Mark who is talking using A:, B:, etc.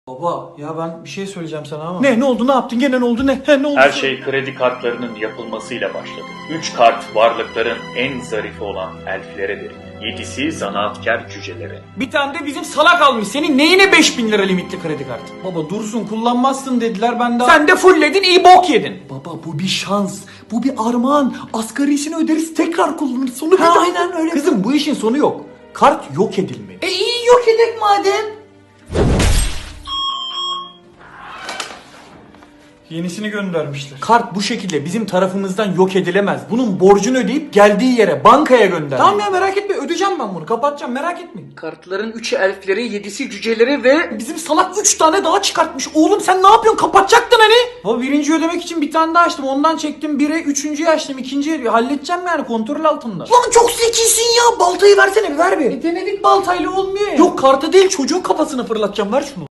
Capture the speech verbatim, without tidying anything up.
A: Baba ya ben bir şey söyleyeceğim sana ama. Ne ne oldu ne yaptın gene ne oldu ne? He, ne oldu?
B: Her şey kredi kartlarının yapılmasıyla başladı. Üç kart varlıkların en zarifi olan elflere verildi. Yedisi zanaatkar cücelere.
A: Bir tane de bizim salak almış. Senin neyine beş bin lira limitli kredi kartı? Baba dursun kullanmazsın dediler ben de. Sen de fullledin iyi bok yedin. Baba bu bir şans. Bu bir armağan. Asgarisini öderiz tekrar kullanırız. Sonu ha, aynen öyle. Kızım bu işin sonu yok. Kart yok edilmeli. E iyi yok edek madem. Yenisini göndermişler. Kart bu şekilde bizim tarafımızdan yok edilemez. Bunun borcunu ödeyip geldiği yere bankaya gönder. Tamam ya merak etme ödeyeceğim ben bunu. Kapatacağım merak etmeyin.
C: Kartların üçü elflere, yedisi cücelere ve...
A: Bizim salak üç tane daha çıkartmış. Oğlum sen ne yapıyorsun? Kapatacaktın hani. Baba birinci ödemek için bir tane daha açtım. Ondan çektim bire. Üçüncüyü açtım. İkinciyi halledeceğim yani kontrol altında. Lan çok zekisin ya. Baltayı versene bir ver bir. E denedik baltayla olmuyor ya. Yok kartı değil çocuğun kafasına fırlatacağım. Ver şunu.